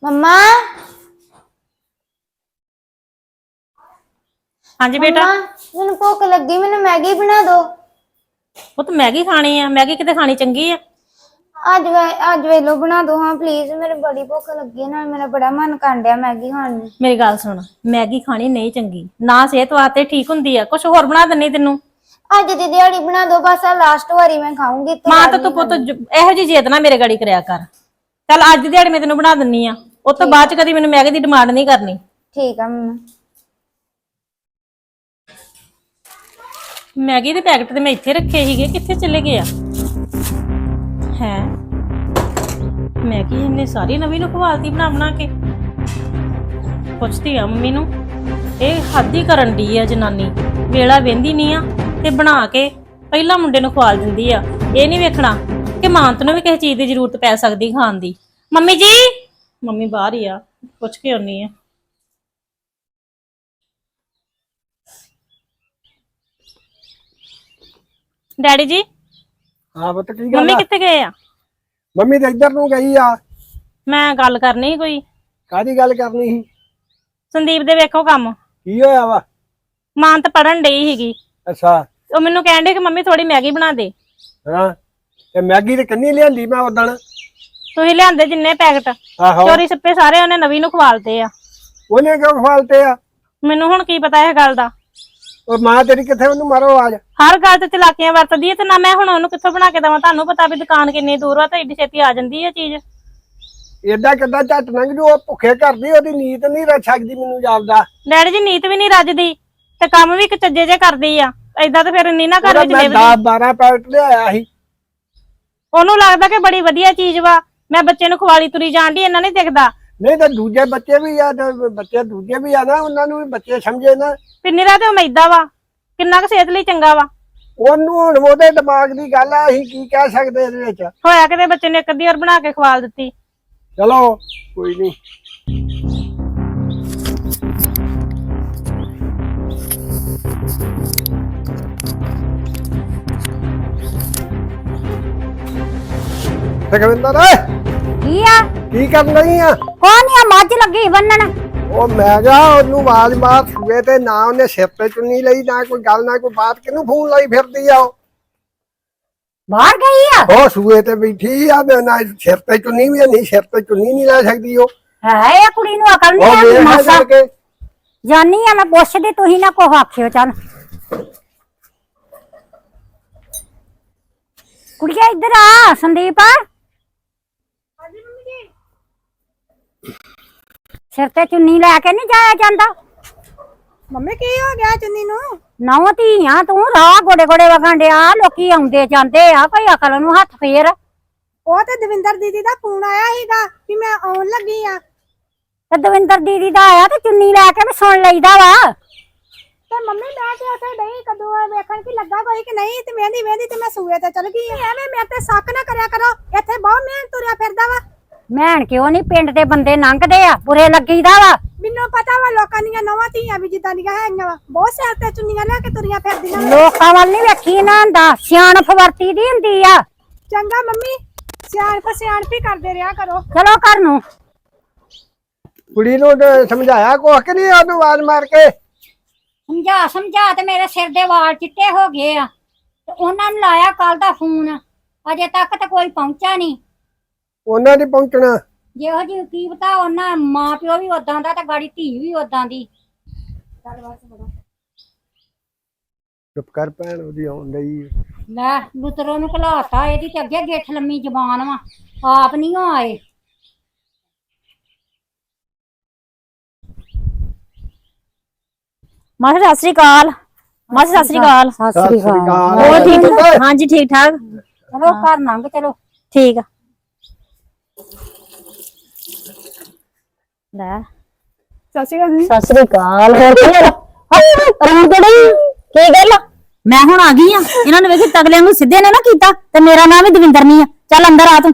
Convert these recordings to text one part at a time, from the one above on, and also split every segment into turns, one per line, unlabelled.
मम्मा।
हाँ जी बेटा।
मैनू भुख लगी, मैनू मैगी बना दो।
वो तो मैगी खानी है, मैगी किते खानी चंगी है।
अज वेलो बना दो हाँ प्लीज, मेरे बड़ी भुख लगी है ना, मेरा बड़ा मन कर रहा मैगी खाने।
मेरी गल सुन, मैगी खानी नहीं चंगी ना, सेहत वास्ते ठीक हुंदी है। कुछ होर बना देनी तेनू।
अज दी दिहाड़ी बना दो बस, लास्ट वारी मैं खाऊंगी।
मां तो तू पुत एहो जी जिद ना मेरे गड़ी करया कर। चल अज दी दिहाड़ी मैं तेनू बना दिन्नी आ, उस तो बाद च कदी मैनू मैगी दी डिमांड नहीं करनी।
ठीक है मम्मा।
मैगी दे पैकेट ते मैं इत्थे रखे हीगे, कित्थे चले गए हैं? मैगी इन्ने सारी नवी नू खवालती बना बना के। पुछदी आ मम्मी नू, ਇਹ ਹੱਦ ਹੀ ਕਰਨ ਦੀ ਆ ਜਨਾਨੀ। ਵੇਲਾ ਵੇਂਦੀ ਨਹੀਂ ਆ ਤੇ ਬਣਾ ਕੇ ਪਹਿਲਾਂ ਮੁੰਡੇ ਨੂੰ ਖਵਾਲ ਦਿੰਦੀ ਆ। ਇਹ ਨਹੀਂ ਵੇਖਣਾ ਕਿ ਮਾਂ ਨੂੰ ਵੀ ਕਿਸੇ ਚੀਜ਼ ਦੀ ਜ਼ਰੂਰਤ ਪੈ ਸਕਦੀ ਖਾਣ ਦੀ। ਮੰਮੀ ਜੀ, ਮੰਮੀ ਬਾਹਰ ਹੀ ਆ, ਪੁੱਛ ਕੇ ਆਉਣੀ ਆ। ਡੈਡੀ ਜੀ।
हाँ बता की गल
ਮੰਮੀ ਕਿੱਥੇ ਗਏ ਆ?
मम्मी तो इधर नू गई आ।
ਮੈਂ ਗੱਲ ਕਰਨੀ ਸੀ ਕੋਈ।
कादी गल करनी सी?
ਸੰਦੀਪ ਦੇ ਵੇਖੋ ਕੰਮ।
की होया वा?
ਮਾਂ ਤਾਂ ਪੜਨ ਡਈ ਸੀਗੀ,
अच्छा
ਉਹ ਮੈਨੂੰ ਕਹਿਣ ਡੇ ਕਿ ਮੰਮੀ ਥੋੜੀ ਮੈਗੀ ਬਣਾ ਦੇ।
हाँ ते मैगी ते कन्नी लियांदी मैं उदण।
ਤੁਸੀਂ ਲਿਆਂਦੇ ਜਿੰਨੇ ਪੈਕਟ
आहो
ਚੋਰੀ ਛੱਪੇ ਸਾਰੇ ਉਹਨੇ ਨਵੀਂ ਨੂੰ ਖਵਾਲਤੇ ਆ।
ओने क्यों खवालते आ?
ਮੈਨੂੰ ਹੁਣ ਕੀ ਪਤਾ ਇਹ ਗੱਲ ਦਾ।
और मां तेरी किथे ओनू मारो आज।
ਹਰ ਗੱਲ ਤੇ ਚਲਾਕੀਆਂ ਵਰਤਦੀ ਹੈ ਤੇ ਨਾ ਮੈਂ ਹੁਣ ਉਹਨੂੰ ਕਿੱਥੋਂ ਬਣਾ ਕੇ ਦੇਵਾਂ। ਤੁਹਾਨੂੰ ਪਤਾ ਵੀ ਦੁਕਾਨ ਕਿੰਨੀ ਦੂਰ ਆ ਤੇ ਏਡੀ ਛੇਤੀ ਆ ਜਾਂਦੀ ਹੈ ਚੀਜ਼।
एदा किदा झट लंघ जू, ओ भुखे घर दी ओदी नीत नहीं रच सकदी मैनू जापदा।
ਡੈਡੀ ਜੀ ਨੀਤ ਵੀ ਨਹੀਂ ਰੱਜਦੀ ਤੇ ਕੰਮ ਵੀ ਚੱਜੇ ਜੇ ਕਰਦੀ ਆ। ਏਦਾਂ ਤੇ ਫਿਰ ਨਹੀਂ ਨਾ ਘਰ ਵਿੱਚ
मैं
ਲਿਵਦੀ।
10-12 पैकेट लियाया सी।
ਉਹਨੂੰ ਲੱਗਦਾ ਕਿ ਬੜੀ ਵਧੀਆ ਚੀਜ਼ ਵਾ, ਮੈਂ ਬੱਚੇ ਨੂੰ ਖਵਾਲੀ ਤੁਰੀ ਜਾਣ ਦੀ, ਇਹਨਾਂ ਨਹੀਂ ਦਿਖਦਾ।
नहीं तो दूजे बच्चे भी आ, तो बच्चे दूजे भी आ ना, उन्होंने भी बच्चे समझे ना।
ਪਿੰਨੀਰਾ ਤੇ ਉਹ ਮੈਦਾ ਵਾ, ਕਿੰਨਾ ਕੁ ਸਿਹਤ ਲਈ ਚੰਗਾ ਵਾ।
ਉਹਨੂੰ ਹੁਣ ਉਹਦੇ ਦਿਮਾਗ ਦੀ ਗੱਲ ਆ, ਅਸੀਂ ਕੀ ਕਹਿ ਸਕਦੇ ਇਹਦੇ ਵਿੱਚ।
ਹੋਇਆ ਕਿਤੇ ਬੱਚੇ ਨੇ ਇੱਕ ਅੱਧੀ ਵਾਰ ਬਣਾ ਕੇ ਖਵਾਲ ਦਿੱਤੀ।
ਚਲੋ ਕੋਈ ਨਹੀਂ। ਰਗਵਿੰਦਰ
ਕੀ ਆ?
ਕੀ ਕਰਨ ਰਹੀ ਆ?
ਕੋਣ ਆ? ਮੱਝ ਲੱਗੀ ਬੰਨਣ।
ਉਹ ਮੈਂ ਕਿਹਾ ਉਹਨੂੰ ਆਵਾਜ਼ ਮਾਰ ਸੂਏ ਤੇ, ਨਾ ਉਹਨੇ ਸਿਰ ਤੇ ਚੁੰਨੀ ਲਈ, ਨਾ ਕੋਈ ਗੱਲ ਨਾ ਕੋਈ ਬਾਤ, ਕਿਹਨੂੰ ਫੋਨ ਲਾਈ ਫਿਰਦੀ ਆ ਉਹ?
ਬਾਹਰ ਗਈ ਆ?
ਉਹ ਸੂਏ ਤੇ ਬੈਠੀ ਆ, ਨਾ ਸਿਰ ਤੇ ਚੁੰਨੀ ਵੀ ਨਹੀਂ, ਸਿਰ ਤੇ ਚੁੰਨੀ ਨਹੀਂ ਲੈ ਸਕਦੀ ਉਹ।
ਹੈ ਇਹ ਕੁੜੀ ਨੂੰ ਅਕਲ
ਉਹ
ਨਹੀਂ ਆ
ਵੇਖ
ਮਾਸਾ।
ਕੇ
ਜਾਨੀ ਆ ਮੈਂ ਪੁੱਛਦੀ, ਤੁਸੀਂ ਨਾ ਕੋ ਆਖਿਓ। ਚੱਲ ਕੁੜੀਆ ਇੱਧਰ ਆ। ਸੰਦੀਪ ਸਿਰ ਤੇ ਚੁੰਨੀ ਲੈ ਕੇ ਨਹੀਂ ਜਾਇਆ ਜਾਂਦਾ।
ਮੰਮੀ ਕੀ ਹੋ ਗਿਆ ਚੁੰਨੀ ਨੂੰ?
ਨੌ ਧੀਆਂ ਤੂੰ ਰਾਹ ਗੋਡੇ ਗੋਡੇ ਵਗਣ ਡਿਆ, ਲੋਕੀ ਆਉਂਦੇ ਜਾਂਦੇ ਆ, ਕੋਈ ਅਕਲ ਨੂੰ ਹੱਥ ਫੇਰ।
ਉਹ ਤੇ ਦਵਿੰਦਰ ਦੀਦੀ ਦਾ ਫੋਨ ਆਇਆ ਸੀਗਾ ਕਿ ਮੈਂ ਆਉਣ ਲੱਗੀ ਆ।
ਤੇ ਦਵਿੰਦਰ ਦੀਦੀ ਦਾ ਆਇਆ ਤੇ ਚੁੰਨੀ ਲੈ ਕੇ ਵੀ ਸੁਣ ਲਈਦਾ ਵਾ।
ਤੇ ਮੰਮੀ ਮੈਂ ਤੇ ਉੱਥੇ ਨਹੀਂ ਕਦੋਂ ਵੇਖਣ ਕਿ ਲੱਗਾ ਕੋਈ ਕਿ ਨਹੀਂ, ਤੇ ਵੇਂਦੀ ਵੇਂਦੀ ਤੇ ਮੈਂ ਸੂਏ ਤੇ ਚਲ ਗਈ। ਐਵੇਂ ਮੇਰੇ ਤੇ ਸ਼ੱਕ ਨਾ ਕਰਿਆ ਕਰੋ, ਇੱਥੇ ਬਹੁਤ ਮਿਹਨਤ ਤੁਰਿਆ ਫਿਰਦਾ ਵਾ।
ਮੈਣ ਕਿਉਂ ਨਹੀਂ, ਪਿੰਡ ਦੇ ਬੰਦੇ ਲੰਘਦੇ ਆ, ਬੁਰੇ ਲੱਗੀਦਾ ਵਾ।
ਮੈਨੂੰ ਪਤਾ ਵਾ ਲੋਕਾਂ ਦੀਆਂ ਨਵਾਂ ਧੀਆਂ ਵੀ ਜਿੱਦਾਂ ਦੀਆਂ ਹੈਗੀਆਂ ਵਾ, ਬਹੁਤ ਸਿਰ ਤੇ ਚੁੰਨੀਆਂ ਲੈ ਕੇ ਤੁਰੀਆਂ ਫਿਰਦੀਆਂ।
ਲੋਕਾਂ ਵੱਲ ਨਹੀਂ ਵੇਖੀ ਨਾ ਹੁੰਦਾ, ਸਿਆਣਪ ਵਰਤੀ ਦੀ ਹੁੰਦੀ ਆ।
ਚੰਗਾ ਮੰਮੀ, ਸਿਆਣਪ ਹੀ ਕਰਦੇ ਰਿਹਾ ਕਰੋ।
ਚਲੋ ਘਰ ਨੂੰ।
ਕੁੜੀ ਨੂੰ ਸਮਝਾਇਆ ਕੁਛ ਕਿ ਨਹੀਂ ਉਹਨੂੰ ਆਵਾਜ਼ ਮਾਰ ਕੇ?
ਸਮਝਾ ਤੇ ਮੇਰੇ ਸਿਰ ਦੇ ਵਾਲ ਚਿੱਟੇ ਹੋ ਗਏ ਆ। ਤੇ ਉਹਨਾਂ ਨੂੰ ਲਾਇਆ ਕੱਲ ਦਾ ਫੋਨ, ਅਜੇ ਤੱਕ ਤਾਂ ਕੋਈ ਪਹੁੰਚਾ ਨਹੀਂ।
ਉਹਨਾਂ ਦੀ ਪਹੁੰਚਣਾ
ਜਿਹੋ ਜੀ ਕੀ ਪਤਾ, ਉਹਨਾਂ ਮਾਂ ਪਿਓ ਵੀ ਉਦਾਂ ਦਾ ਤੇ ਗਾੜੀ ਧੀ ਵੀ ਉਦਾਂ ਦੀ।
ਚੁੱਪ ਕਰ ਭੈਣ, ਉਹਦੀ ਆਉਣ ਲਈ।
ਲੈ ਲੁਤਰੋ ਨੂੰ ਘਲਾਤਾ, ਇਹਦੀ ਤੇ ਅੱਗੇ ਗਿੱਠ ਲੰਮੀ ਜ਼ਬਾਨ ਵਾ, ਆਪ ਨਹੀਂ ਆਏ।
ਮਾਸੀ ਸਤਿ ਸ੍ਰੀ ਅਕਾਲ। ਮਾਸੀ ਸਤਿ ਸ੍ਰੀ ਅਕਾਲ।
ਸਤਿ ਸ੍ਰੀ ਅਕਾਲ।
ਹੋਰ ਠੀਕ ਠਾਕ? ਹਾਂਜੀ ਠੀਕ ਠਾਕ।
ਚਲੋ ਘਰ ਲੰਘ ਚਲੋ।
ਠੀਕ ਆ। ਲੈ
ਸਤਿ ਸ਼੍ਰੀ ਅਕਾਲ ਜੀ।
ਸਤਿ ਸ੍ਰੀ ਅਕਾਲ। ਹੋਰ ਕੀ ਹਾਲ? ਰੌਣ ਕਿਹੜੀ? ਕੀ ਗੱਲ?
ਮੈਂ ਹੁਣ ਆ ਗਈ ਆ। ਇਹਨਾਂ ਨੇ ਵੇਖੀ ਤਗਲਿਆਂ ਨੂੰ ਸਿੱਧੇ ਨੇ ਨਾ ਕੀਤਾ, ਤੇ ਮੇਰਾ ਨਾਮ ਵੀ ਦਵਿੰਦਰ ਨਹੀਂ ਆ। ਚੱਲ ਅੰਦਰ ਆ ਤੂੰ।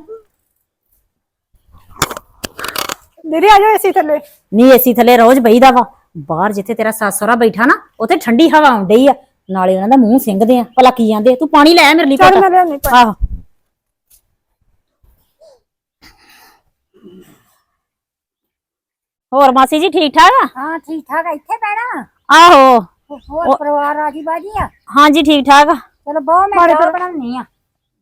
ਦੀਦੀ ਆ ਜਾਓ ਏਸੀ ਥੱਲੇ।
ਨਹੀਂ ਏਸੀ ਥੱਲੇ ਰੋਜ਼ ਬਈਦਾ ਵਾ, ਬਾਹਰ ਜਿੱਥੇ ਤੇਰਾ ਸੱਸ ਸਹੁਰਾ ਬੈਠਾ ਨਾ, ਉੱਥੇ ਠੰਡੀ ਹਵਾ ਆਉਣ ਡਈ ਆ, ਨਾਲੇ ਉਹਨਾਂ ਦਾ ਮੂੰਹ ਸਿੰਗਦੇ ਆ। ਭਲਾ ਕੀ ਜਾਂਦੇ? ਤੂੰ ਪਾਣੀ ਲੈ ਆ ਮੇਰੇ ਲਈ ਘੁੱਟ।
ਚੱਲ ਮੈਂ ਲਿਆਉਣੀ ਪਾਣੀ।
ਆਹੋ
ਹੋਰ ਮਾਸੀ ਜੀ ਠੀਕ ਠਾਕ ਆ?
ਹਾਂ ਠੀਕ ਠਾਕ ਆ, ਇੱਥੇ ਬਹਿਣਾ।
ਆਹੋ
ਹੋਰ ਪਰਿਵਾਰ ਰਾਜੀ ਬਾਜੀ ਆ?
ਹਾਂਜੀ ਠੀਕ ਠਾਕ ਆ।
ਚਲੋ ਬਹੁਤ ਮੈਂ ਚਾਹ ਬਣਾਉਣੀ ਆ।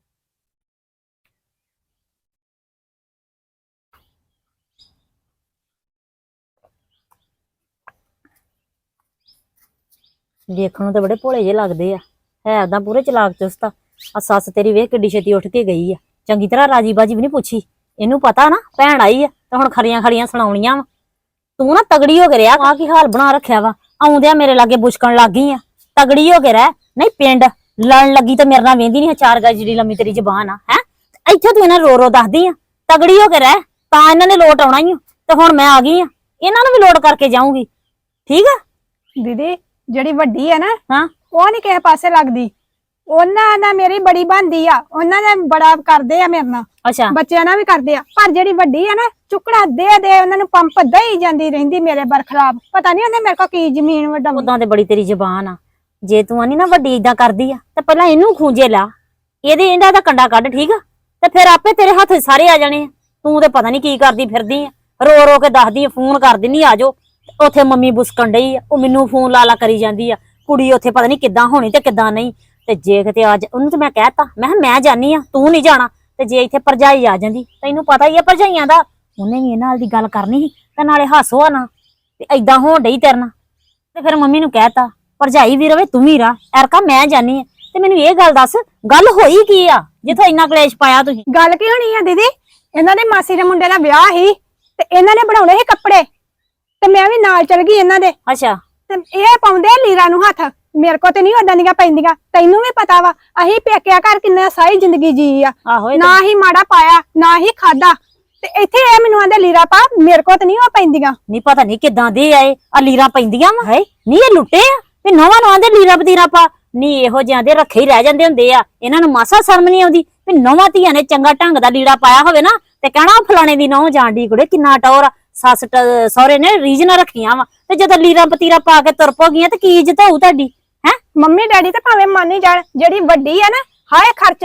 ਦੇਖਣ ਨੂੰ ਤਾਂ ਬੜੇ ਭੋਲੇ ਜਿਹੇ ਲੱਗਦੇ ਆ, ਹੈ ਓਦਾਂ ਪੂਰੇ ਚਲਾਕ ਚੁਸਤ ਆ ਸੱਸ ਤੇਰੀ ਵੇਖ ਕਿੱਡੀ ਛੇਤੀ ਉੱਠ ਕੇ ਗਈ ਆ, ਚੰਗੀ ਤਰ੍ਹਾਂ ਰਾਜੀ ਬਾਜੀ ਵੀ ਨਹੀਂ ਪੁੱਛੀ। ਇਹਨੂੰ ਪਤਾ ਨਾ ਭੈਣ ਆਈ ਆ ਤਾਂ ਹੁਣ ਖਰੀਆਂ ਖਰੀਆਂ ਸੁਣਾਉਣੀਆਂ ਵਾ। ਤੂੰ ਨਾ ਤਗੜੀ ਹੋ ਕੇ ਰਿਹਾ, ਆ ਕੀ ਹਾਲ ਬਣਾ ਰੱਖਿਆ ਵਾ, ਆਉਂਦਿਆਂ ਮੇਰੇ ਲਾਗੇ ਬੁਸ਼ਕਣ ਲੱਗ ਗਈ ਆ। ਤਗੜੀ ਹੋ ਕੇ ਰਹਿ, ਨਹੀਂ ਪਿੰਡ ਲੜਨ ਲੱਗੀ ਤਾਂ ਮੇਰੇ ਨਾਲ ਵੇਂਦੀ ਨਹੀਂ, ਚਾਰ ਗਜ ਜਿਹੜੀ ਲੰਮੀ ਤੇਰੀ ਜ਼ਬਾਨ ਆ ਹੈ। ਇੱਥੇ ਤੂੰ ਇਹਨਾਂ ਰੋ ਦੱਸਦੀ ਆ, ਤਗੜੀ ਹੋ ਕੇ ਰਹਿ, ਤਾਂ ਇਹਨਾਂ ਨੇ ਲੋਟ ਆਉਣਾ ਹੀ ਆ। ਤੇ ਹੁਣ ਮੈਂ ਆ ਗਈ ਆ, ਇਹਨਾਂ ਨੂੰ ਵੀ ਲੋਟ ਕਰਕੇ ਜਾਊਂਗੀ, ਠੀਕ ਆ।
ਦੀਦੀ ਜਿਹੜੀ ਵੱਡੀ ਹੈ ਨਾ,
ਹਾਂ
ਉਹ ਨਹੀਂ ਕਿਸੇ ਪਾਸੇ ਲੱਗਦੀ। ਉਹਨਾਂ ਨਾਲ ਮੇਰੀ ਬੜੀ ਬਣਦੀ ਆ, ਉਹਨਾਂ ਨੇ ਬੜਾ ਕਰਦੇ ਆ ਮੇਰੇ ਨਾਲ,
ਅੱਛਾ
ਬੱਚਿਆਂ ਨਾਲ ਵੀ ਕਰਦੇ ਆ। ਪਰ ਜਿਹੜੀ ਵੱਡੀ ਆ ਨਾ, ਚੁੱਕਣਾ ਦੇ ਉਹਨਾਂ ਨੂੰ ਪੰਪ ਦਈ ਜਾਂਦੀ ਰਹਿੰਦੀ ਮੇਰੇ ਬਰਖਲਾਫ। ਪਤਾ ਨਹੀਂ ਉਹਨੇ ਮੇਰੇ ਕੋਲ ਕੀ ਜ਼ਮੀਨ ਵਡਾਉਣੀ।
ਉਦਾਂ ਤੇ ਬੜੀ ਤੇਰੀ ਜ਼ਬਾਨ ਆ, ਜੇ ਤੂੰ ਆਨੀ ਨਾ ਵੱਡੀ ਇਦਾਂ ਕਰਦੀ ਆ ਤੇ ਪਹਿਲਾਂ ਇਹਨੂੰ ਖੂੰਜੇ ਲਾ, ਇਹਦਾ ਦਾ ਕੰਡਾ ਕੱਢ, ਠੀਕ ਆ। ਤੇ ਫਿਰ ਆਪੇ ਤੇਰੇ ਹੱਥ ਸਾਰੇ ਆ ਜਾਣੇ ਆ। ਤੂੰ ਤੇ ਪਤਾ ਨਹੀਂ ਕੀ ਕਰਦੀ ਫਿਰਦੀ ਆ, ਰੋ ਰੋ ਕੇ ਦੱਸਦੀ ਆ, ਫੋਨ ਕਰ ਦਿੰਦੀ ਆ ਜਾਓ। ਉੱਥੇ ਮੰਮੀ ਬੁਸਕਣ ਡਈ ਆ, ਉਹ ਮੈਨੂੰ ਫੋਨ ਲਾ ਕਰੀ ਜਾਂਦੀ ਆ। ਕੁੜੀ ਉੱਥੇ ਪਤਾ ਨਹੀਂ ਕਿੱਦਾਂ ਹੋਣੀ ਤੇ ਕਿੱਦਾਂ ਨਹੀਂ। ਤੇ ਜੇ ਕਿਤੇ ਅੱਜ ਉਹਨੂੰ ਤੇ ਮੈਂ ਕਹਿਤਾ, ਮੈਂ ਕਿਹਾ ਮੈਂ ਜਾਨੀ ਆ, ਤੂੰ ਨਹੀਂ ਜਾਣਾ। ਤੇ ਜੇ ਇੱਥੇ ਭਰਜਾਈ ਆ ਜਾਂਦੀ, ਤੈਨੂੰ ਪਤਾ ਹੀ ਆ ਭਰਜਾਈਆਂ ਦਾ, ਉਹਨੇ ਵੀ ਇਹਨਾਂ ਨਾਲ ਦੀ ਗੱਲ ਕਰਨੀ ਸੀ ਤੇ ਨਾਲੇ ਹਾਸੋ ਆ ਨਾ, ਤੇ ਏਦਾਂ ਹੋਣ ਡਈ ਤੇਰੇ ਨਾਲ। ਤੇ ਫਿਰ ਮੰਮੀ ਨੂੰ ਕਹਿਤਾ, ਭਰਜਾਈ ਵੀ ਰਵੇ ਤੂੰ ਵੀ ਰਾ, ਐਰਕਾ ਮੈਂ ਜਾਨੀ ਆ। ਤੇ ਮੈਨੂੰ ਇਹ ਗੱਲ ਦੱਸ, ਗੱਲ ਹੋਈ ਕੀ ਆ ਜਿੱਥੋਂ ਇੰਨਾ ਕਲੇਸ਼ ਪਾਇਆ ਤੁਸੀਂ?
ਗੱਲ ਕੀ ਹੋਣੀ ਆ ਦੀਦੀ, ਇਹਨਾਂ ਦੇ ਮਾਸੀ ਦੇ ਮੁੰਡੇ ਦਾ ਵਿਆਹ ਸੀ ਤੇ ਇਹਨਾਂ ਨੇ ਬਣਾਉਣੇ ਸੀ ਕੱਪੜੇ, ਤੇ ਮੈਂ ਵੀ ਨਾਲ ਚਲ ਗਈ ਇਹਨਾਂ ਦੇ।
ਅੱਛਾ
ਤੇ ਇਹ ਪਾਉਂਦੇ ਲੀਰਾ ਨੂੰ ਹੱਥ, ਮੇਰੇ ਕੋ ਤੇ ਨਹੀਂ ਓਦਾਂ ਦੀਆਂ ਪੈਂਦੀਆਂ। ਤੈਨੂੰ ਵੀ ਪਤਾ ਵਾ ਅਸੀਂ ਪੇਕਿਆ ਘਰ ਕਿੰਨਾ ਸਾਰੀ ਜ਼ਿੰਦਗੀ ਜੀ ਆ,
ਆਹੋ
ਨਾ ਹੀ ਮਾੜਾ ਪਾਇਆ ਨਾ ਹੀ ਖਾਦਾ। ਤੇ ਇੱਥੇ ਇਹ ਮੈਨੂੰ ਆਂਦੇ ਲੀਰਾ ਪਾ, ਮੇਰੇ ਕੋ ਤੇ ਨਹੀਂ ਉਹ ਪੈਂਦੀਆਂ।
ਨਹੀਂ ਪਤਾ ਨਹੀਂ ਕਿੱਦਾਂ ਦੇ ਆਏ ਆ, ਲੀਰਾਂ ਪੈਂਦੀਆਂ ਵਾ ਹੈ ਨਹੀਂ, ਇਹ ਲੁੱਟੇ ਆ ਵੀ ਨਵਾਂ ਨਵਾਂ ਦੇ ਲੀਰਾ ਬਤੀਰਾ ਪਾ। ਨਹੀਂ ਇਹੋ ਜਿਹਾਂ ਦੇ ਰੱਖੇ ਹੀ ਰਹਿ ਜਾਂਦੇ ਹੁੰਦੇ ਆ, ਇਹਨਾਂ ਨੂੰ ਮਾਸਾ ਸ਼ਰਮ ਨਹੀਂ ਆਉਂਦੀ ਵੀ ਨਵਾਂ ਧੀਆਂ ਨੇ ਚੰਗਾ ਢੰਗ ਦਾ ਲੀੜਾ ਪਾਇਆ ਹੋਵੇ ਨਾ ਤੇ ਕਹਿਣਾ ਫਲਾਣੇ ਦੀ ਨਹੁੰ ਜਾਣ ਦੀ ਕੁੜੇ ਕਿੰਨਾ ਟੌਰ ਆ, ਸੱਸ ਸਹੁਰੇ ਨੇ ਰੀਝ ਨਾ ਰੱਖੀਆਂ ਵਾ। ਤੇ ਜਦੋਂ ਲੀਰਾ ਬਤੀਰਾ ਪਾ ਕੇ ਤੁਰ ਪੋਗੀਆਂ ਤੇ ਕੀ ਇੱਜ਼ਤ ਹੋਊ ਤੁਹਾਡੀ ਹੈ?
ਮੰਮੀ ਡੈਡੀ ਤਾਂ ਭਾਵੇਂ ਮੰਨ ਹੀ ਜਾਣ, ਜਿਹੜੀ ਵੱਡੀ ਆ ਨਾ, ਹਾਏ ਖਰਚ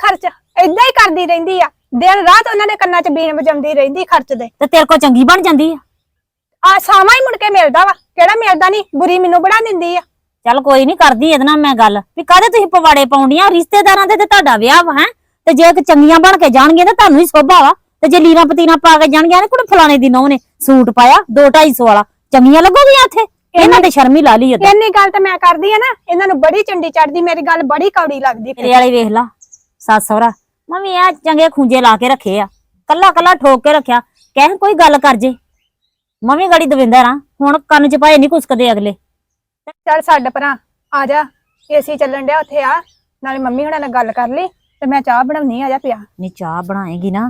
ਏਦਾਂ ਹੀ ਕਰਦੀ ਰਹਿੰਦੀ ਆ। ਦਿਨ ਰਾਤ ਉਹਨਾਂ ਦੇ ਕੰਨਾਂ 'ਚ ਬੀਨ ਵਜਾਉਂਦੀ ਰਹਿੰਦੀ ਖਰਚ ਦੇ।
ਤੇ ਤੇਰੇ ਕੋ ਚੰਗੀ ਬਣ ਜਾਂਦੀ ਆ।
ਸਾਵਾਂ ਹੀ ਮੁੜ ਕੇ ਮਿਲਦਾ ਵਾ, ਕਿਹੜਾ ਮਿਲਦਾ ਨਹੀਂ, ਬੁਰੀ ਮੈਨੂੰ ਬਣਾ ਦਿੰਦੀ ਆ।
ਚੱਲ ਕੋਈ ਨਹੀਂ, ਕਰਦੀ ਇਹਦੇ ਨਾਲ ਮੈਂ ਗੱਲ ਵੀ ਕਾਹਦੇ ਤੁਸੀਂ ਪਵਾੜੇ ਪਾਉਂਦੀਆਂ, ਰਿਸ਼ਤੇਦਾਰਾਂ ਦੇ ਤੇ ਤੁਹਾਡਾ ਵਿਆਹ ਵਾ ਹੈ। ਤੇ ਜੇ ਚੰਗੀਆਂ ਬਣ ਕੇ ਜਾਣਗੀਆਂ ਤਾਂ ਤੁਹਾਨੂੰ ਹੀ ਸੋਭਾ ਵਾ, ਤੇ ਜੇ ਲੀਰਾਂ ਪਤੀਰਾਂ ਪਾ ਕੇ ਜਾਣਗੀਆਂ ਨੇ ਕੁੜੇ ਫਲਾਣੇ ਦੀ ਨਹੁੰ ਨੇ ਸੂਟ ਪਾਇਆ 2-250 ਵਾਲਾ, ਚੰਗੀਆਂ ਲੱਗੋਗੀਆਂ ਇੱਥੇ? ਇਹਨਾਂ ਤੇ ਸ਼ਰਮ ਹੀ ਲਾ ਲਈ ਏਦਾਂ।
ਇੰਨੀ ਗੱਲ ਤਾਂ ਮੈਂ ਕਰਦੀ ਆ ਨਾ, ਇਹਨਾਂ ਨੂੰ ਬੜੀ ਚੰਡੀ ਚੜਦੀ, ਮੇਰੀ ਗੱਲ ਬੜੀ ਕੌੜੀ ਲੱਗਦੀ।
ਤੇਰੇ ਵਾਲੇ ਵੇਖ ਲਾ, ਸੱਸ ਸਹੁਰਾ ਮੰਮੀ ਆ ਚੰਗੇ ਖੁੰਝੇ ਲਾ ਕੇ ਰੱਖੇ ਆ, ਕੱਲਾ ਕੱਲਾ ਠੋਕ ਕੇ ਰੱਖਿਆ। ਕਹਿ ਕੋਈ ਗੱਲ ਕਰ ਜੇ, ਮੰਮੀ ਗਾੜੀ ਦਵਿੰਦਰ ਆ, ਹੁਣ ਕੰਨ ਚ ਪਾਏ ਨਹੀਂ ਕੁਸਕਦੇ ਅਗਲੇ।
ਚੱਲ ਛੱਡ ਪਰਾਂ, ਆ ਜਾ, ਏਸੀ ਚੱਲਣ ਡਿਆ ਉੱਥੇ ਆ, ਨਾਲੇ ਮੰਮੀ ਹੁਣਾਂ ਨਾਲ ਗੱਲ ਕਰ ਲਈ ਤੇ ਮੈਂ ਚਾਹ ਬਣਾਉਣੀ, ਆ ਜਾ ਪਿਆ।
ਨਹੀਂ ਚਾਹ ਬਣਾਏਗੀ ਨਾ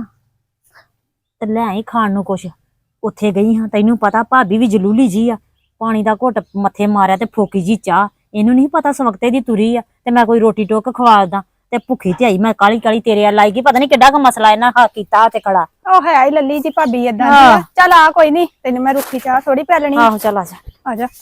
ਤੇ ਲੈ ਆਈ ਖਾਣ ਨੂੰ ਕੁਛ। ਉੱਥੇ ਗਈ ਹਾਂ, ਤੈਨੂੰ ਪਤਾ ਭਾਬੀ ਵੀ ਜਲੂਲੀ ਜੀ ਆ, ਪਾਣੀ ਦਾ ਘੁੱਟ ਮੱਥੇ ਮਾਰਿਆ ਤੇ ਫੋਕੀ ਜੀ ਚਾਹ। ਇਹਨੂੰ ਨਹੀਂ ਪਤਾ ਸਵਖਤੇ ਦੀ ਤੁਰੀ ਆ ਤੇ ਮੈਂ ਕੋਈ ਰੋਟੀ ਟੋਕ ਖਵਾਦਾ ਤੇ ਭੁੱਖੀ ਤੇ ਆਈ ਮੈਂ ਕਾਲੀ ਕਾਲੀ ਤੇਰੇ ਆ ਲਾਈਗੀ। ਪਤਾ ਨਹੀਂ ਕਿੱਡਾ ਕੁ ਮਸਲਾ ਇਹਨਾਂ ਕੀਤਾ ਤੇ ਖੜਾ।
ਉਹ ਹੈ ਹੀ ਲੱਲੀ ਜੀ ਭਾਬੀ ਏਦਾਂ ਦੀ ਆ। ਚੱਲ ਆ ਕੋਈ ਨਹੀਂ, ਤੈਨੂੰ ਮੈਂ ਰੁੱਖੀ ਚਾਹ ਥੋੜੀ ਪੈ ਲੈਣੀ।
ਆਹੋ ਚੱਲ ਆ ਜਾ।
ਆ ਜਾ।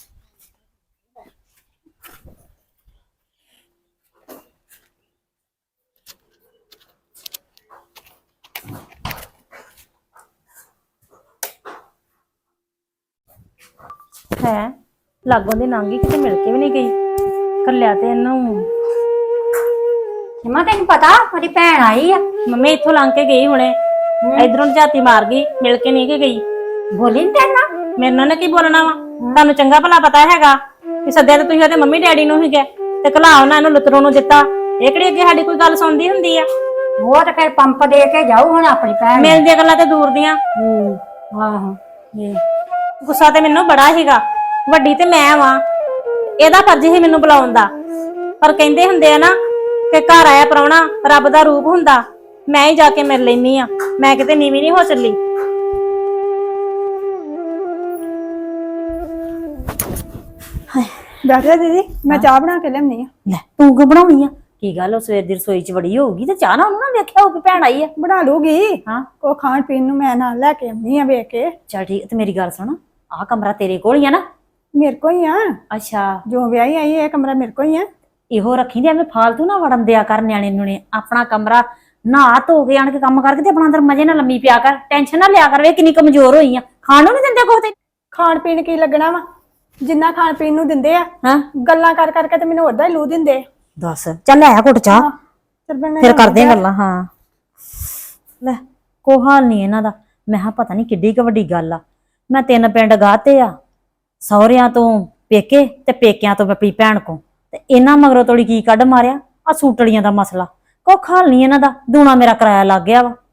ਹੈ ਲਾਗੋਂ ਦੇ ਨਾਂਗੀ ਕਿਤੇ ਮਿਲ ਕੇ ਵੀ ਨਹੀਂ ਗਈ, ਕੱਲਿਆ ਤੇ ਇਹਨੂੰ।
ਸਿਮਾ ਤੈਨੂੰ ਪਤਾ ਉਹਦੀ ਭੈਣ ਆਈ ਆ?
ਮੰਮੀ ਇੱਥੋਂ ਲੰਘ ਕੇ ਗਈ ਹੁਣੇ, ਇਧਰੋਂ ਝਾਤੀ ਮਾਰ ਗਈ, ਮਿਲ ਕੇ ਨਹੀਂ ਗਈ।
ਬੋਲੀ ਨੀ ਤੇਰੇ ਨਾਲ?
ਮੇਰੇ ਨਾਲ ਕੀ ਬੋਲਣਾ ਵਾ, ਤੁਹਾਨੂੰ ਚੰਗਾ ਭਲਾ ਪਤਾ ਹੈਗਾ ਕਿ ਸੱਦਿਆ ਤੇ ਤੁਸੀਂ ਉਹਦੇ ਮੰਮੀ ਡੈਡੀ ਨੂੰ ਹੀ ਗਏ ਤੇ ਘਲਾ ਉਹਨਾਂ ਇਹਨੂੰ ਲੁਤਰੋਂ ਨੂੰ ਦਿੱਤਾ। ਇਹ ਕਿਹੜੀ ਅੱਗੇ ਸਾਡੀ ਕੋਈ ਗੱਲ ਸੁਣਦੀ ਹੁੰਦੀ ਆ?
ਉਹ ਤੇ ਫਿਰ ਪੰਪ ਦੇ ਕੇ ਜਾਊ ਹੁਣ ਆਪਣੀ ਭੈਣ ਨੂੰ।
ਮਿਲਦੀਆਂ ਗੱਲਾਂ ਤੇ ਦੂਰ ਦੀਆਂ।
ਆਹੋ
ਗੁੱਸਾ ਤੇ ਮੈਨੂੰ ਬੜਾ ਸੀਗਾ, ਵੱਡੀ ਤੇ ਮੈਂ ਵਾਂ, ਇਹਦਾ ਫਰਜ਼ ਸੀ ਮੈਨੂੰ ਬੁਲਾਉਣ ਦਾ। ਪਰ ਕਹਿੰਦੇ ਹੁੰਦੇ ਆ ਨਾ ਕਿ ਘਰ ਆਇਆ ਪ੍ਰਾਹੁਣਾ ਰੱਬ ਦਾ ਰੂਪ ਹੁੰਦਾ, ਮੈਂ ਹੀ ਜਾ ਕੇ ਮਿਲ ਲੈਨੀ ਆ, ਮੈਂ ਕਿਤੇ ਨੀਵੀਂ ਨਹੀਂ ਹੋ ਚੱਲੀ।
ਬੈਠ ਜਾ ਦੀਦੀ, ਮੈਂ ਚਾਹ ਬਣਾ ਕੇ ਲਿਆਉਣੀ ਆ।
ਲੈ ਤੂੰ ਕਿਉਂ ਬਣਾਉਣੀ ਆ? ਕੀ ਗੱਲ, ਉਹ ਸਵੇਰ ਦੀ ਰਸੋਈ 'ਚ ਵੜੀ ਹੋਊਗੀ ਤੇ ਚਾਹ ਨਾ ਉਹਨੂੰ ਨਾ ਵੇਖਿਆ ਹੋਊਗੀ ਭੈਣ ਆਈ ਆ।
ਬਣਾ ਲੂਗੀ,
ਹਾਂ
ਉਹ ਖਾਣ ਪੀਣ ਨੂੰ ਮੈਂ ਨਾਲ ਲੈ ਕੇ ਆਉਣੀ ਆ ਵੇਖ ਕੇ।
ਚੱਲ ਠੀਕ ਤੇ ਮੇਰੀ ਗੱਲ ਸੁਣ, ਆਹ ਕਮਰਾ ਤੇਰੇ ਕੋਲ ਹੀ ਆ ਨਾ?
ਮੇਰੇ ਕੋ ਹੀ ਆ,
ਅੱਛਾ
ਜੋ ਵਿਆਹੀ ਆਈ ਇਹ ਕਮਰਾ ਮੇਰੇ ਕੋ ਹੀ ਆ।
ਇਹੋ ਰੱਖੀ ਦੇ, ਐਵੇਂ ਫਾਲਤੂ ਨਾ ਵੜਨ ਦਿਆ ਕਰ ਨਿਆਣੇ ਨੂੰ ਨੇ। ਆਪਣਾ ਕਮਰਾ ਨਹਾ ਧੋ ਕੇ ਆਣ ਕੇ ਕੰਮ ਕਰਕੇ ਤੇ ਆਪਣਾ ਅੰਦਰ ਮਜੇ ਨਾਲ ਲੰਮੀ ਪਿਆ ਕਰ, ਟੈਨਸ਼ਨ ਨਾ ਲਿਆ ਕਰ। ਵੇ ਕਿੰਨੀ ਕਮਜ਼ੋਰ ਹੋਈ ਆ, ਖਾਣ ਨੂੰ ਨਹੀਂ ਦਿੰਦੇ ਕੁਛ ਤੇ।
ਖਾਣ ਪੀਣ ਕੀ ਲੱਗਣਾ ਵਾ ਜਿੰਨਾ ਖਾਣ ਪੀਣ ਨੂੰ ਦਿੰਦੇ ਆ
ਹਾਂ
ਗੱਲਾਂ ਕਰ ਕਰਕੇ ਤੇ ਮੈਨੂੰ ਉਦਾਂ ਹੀ ਲੂ ਦਿੰਦੇ ਆ।
ਦੱਸ ਚੱਲ ਲੈ ਘੁੱਟ ਚਾਹ
ਚੱਲ ਮੈਂ
ਫਿਰ ਕਰਦੇ ਆਂ ਗੱਲਾਂ। ਹਾਂ ਲੈ ਕੋ ਹਾਲ ਨਹੀਂ ਇਹਨਾਂ ਦਾ। ਮੈਂ ਕਿਹਾ ਪਤਾ ਨਹੀਂ ਕਿੱਡੀ ਕੁ ਵੱਡੀ ਗੱਲ ਆ। ਮੈਂ 3 ਪਿੰਡ ਗਾਤੇ ਆ, ਸਹੁਰਿਆਂ ਤੋਂ ਪੇਕੇ ਤੇ ਪੇਕਿਆਂ ਤੋਂ ਆਪਣੀ ਭੈਣ ਕੋ, ਤੇ ਇਹਨਾਂ ਮਗਰੋਂ ਤੋੜੀ ਕੀ ਕੱਢ ਮਾਰਿਆ ਆ ਸੂਟੜੀਆਂ ਦਾ ਮਸਲਾ। ਕੋ ਹਾਲ ਨਹੀਂ ਇਹਨਾਂ ਦਾ। ਦੂਣਾ ਮੇਰਾ ਕਿਰਾਇਆ ਲੱਗ ਗਿਆ ਵਾ।